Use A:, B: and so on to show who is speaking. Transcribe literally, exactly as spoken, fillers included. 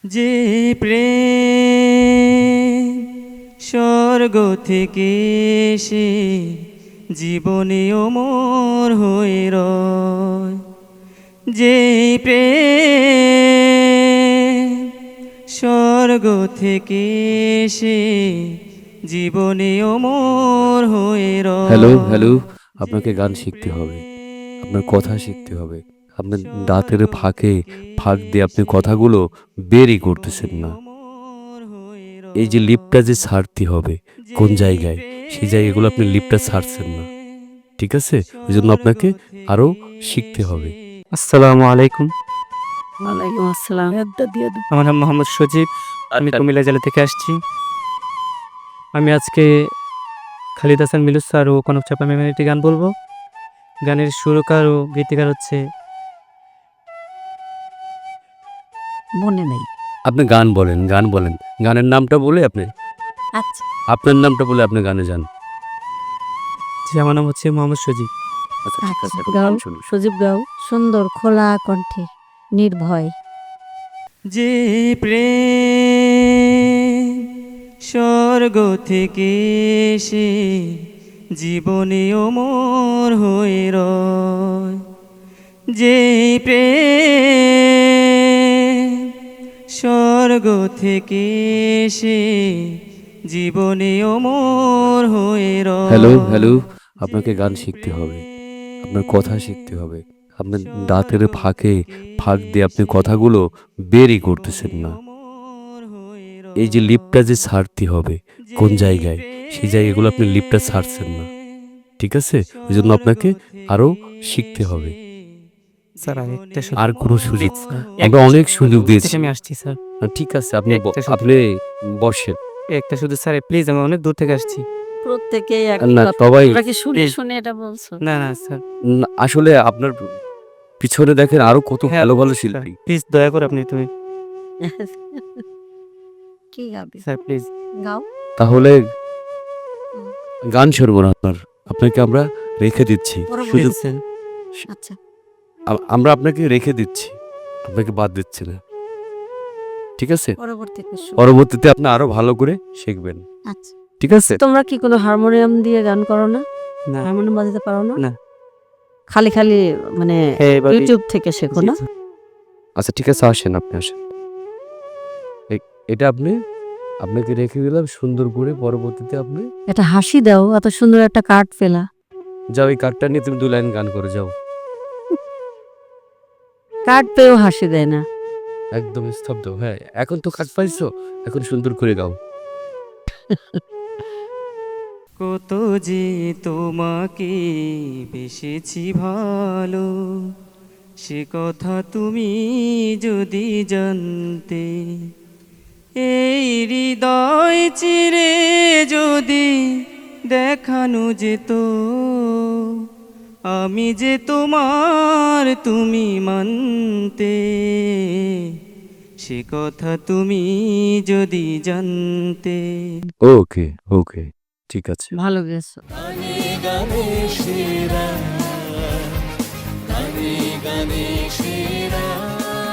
A: যে প্রেম স্বর্গ থেকে এসে জীবনে অমর হয়ে রয়, যে প্রেম স্বর্গ থেকে এসে জীবনে অমর হয়ে রয়।
B: হ্যালো হ্যালো আপনাকে গান শিখতে হবে, আপনার কথা শিখতে হবে। আপনার দাঁতের ফাঁকে ফাঁক দিয়ে আপনি কথাগুলো বেরই করতেছেন না। এই যে লিপটা যে ছাড়তে হবে কোন জায়গায়, সেই জায়গাগুলো আপনি লিপটা ছাড়ছেন না, ঠিক আছে? ওই জন্য আপনাকে আরও শিখতে হবে।
C: আসসালামু আলাইকুম।
D: ওয়ালাইকুম আসসালাম।
C: আমার নাম মোহাম্মদ সজীব, আমি কুমিল্লা জেলা থেকে আসছি। আমি আজকে খালিদ হাসান মিলু স্যার ও কনক চাপা ম্যামের একটি গান বলবো। গানের সুরকার ও গীতিকার হচ্ছে
D: মনে নেই।
B: আপনি গান বলেন, গান বলেন, গানের নামটা বলে আপনি
D: আচ্ছা,
B: আপনার নামটা বলে আপনি গানে যান।
C: যে আমার নাম হচ্ছে মোহাম্মদ সজীব।
B: আচ্ছা ঠিক আছে,
D: আচ্ছা,
B: এখন
D: গাও
B: গান শুনুন।
D: সজীব গাও সুন্দর খোলা কণ্ঠে নির্ভয়।
A: যে প্রেম স্বর্গ থেকে এসে জীবনে অমর হয়ে রয়, যে প্রেম স্বর্গ থেকে এসে জীবনে অমর হয়ে রয়।
B: হ্যালো হ্যালো আপনাকে গান শিখতে হবে, আপনার কথা শিখতে হবে। আপনার দাঁতের ফাঁকে ফাঁক দিয়ে আপনি কথাগুলো বেরই করতেছেন না। এই যে লিপটা যে ছাড়তে হবে কোন জায়গায়, সেই জায়গাগুলো আপনি লিপটা ছাড়ছেন না, ঠিক আছে? ওই জন্য আপনাকে আরও শিখতে হবে।
C: স্যার আমি একটা সুযোগ-
B: আর কোনো সুযোগ
C: স্যার,
B: আমরা অনেক সুযোগ দিয়েছি।
C: থেকে আমি আসছি স্যার।
B: না, ঠিক আছে, আপনি ব-
C: একটা সুযোগ।
B: আপনি বসেন।
C: একটা শুধু স্যার প্লিজ, আমি অনেক দূর থেকে আসছি।
D: প্রত্যেকেই এক
B: না,
D: কথা।
B: সবাই
D: তোমরা কি শুনে
C: এই-
D: শুনে এটা বলছো?
C: না না স্যার,
B: না, আসলে আপনার পিছনে দেখেন আরো কত
C: হ্যাঁ,
B: ভালো ভালো শিল্পী।
C: প্লিজ দয়া করে আপনি তুমি
D: কি গাবি?
C: Sir please.
D: গাও।
B: তাহলে গান শুনবো না আপনার, আপনাকে আমরা রেখে দিচ্ছি।
D: পরবর্তী-
B: সুযোগ
C: স্যার
D: আচ্ছা,
B: আ- আমরা আপনাকে রেখে দিচ্ছি, আপনাকে বাদ দিচ্ছি না, ঠিক আছে?
D: পরবর্তীতে শুনো।
B: পরবর্তীতে আপনি আরো ভালো করে শিখবেন,
D: আচ্ছা,
B: ঠিক আছে?
D: তোমরা কি কোনো হারমোনিয়াম দিয়ে গান করো না?
C: না
D: হারমোনিয়াম বাজাতে পারো না?
C: না।
D: খালি খালি মানে
C: হ্যাঁ, এবার-
D: ইউটিউব থেকে শেখো
C: জি,
D: না?
C: স্যার।
B: আচ্ছা ঠিক আছে, আসেন, আপনি আসেন। এ- এটা আপনি আপনাকে রেখে দিলাম সুন্দর করে। পরবর্তীতে আপনি
D: এটা হাসি দাও, এত সুন্দর একটা কার্ড পেলা।
B: যাও, এই কার্ডটা নিয়ে তুমি দু লাইন গান করে যাও।
D: কার্ড পেয়েও হাসি দেয় না।
B: একদম স্তব্ধ। হ্যাঁ, এখন তো কাজ পাইছো, এখন সুন্দর করে গাও।
A: কত যে তোমাকে বেসেছি ভালো, সে কথা তুমি যদি জানতে। এই হৃদয় চিরে যদি দেখানো যেত, আমি যে তোমার তুমি মানতে। সে কথা তুমি যদি জানতে।
B: ওকে ওকে, ঠিক আছে।
D: ভালো গেছো।
E: গানে গানে সেরা, গানে গানে সেরা।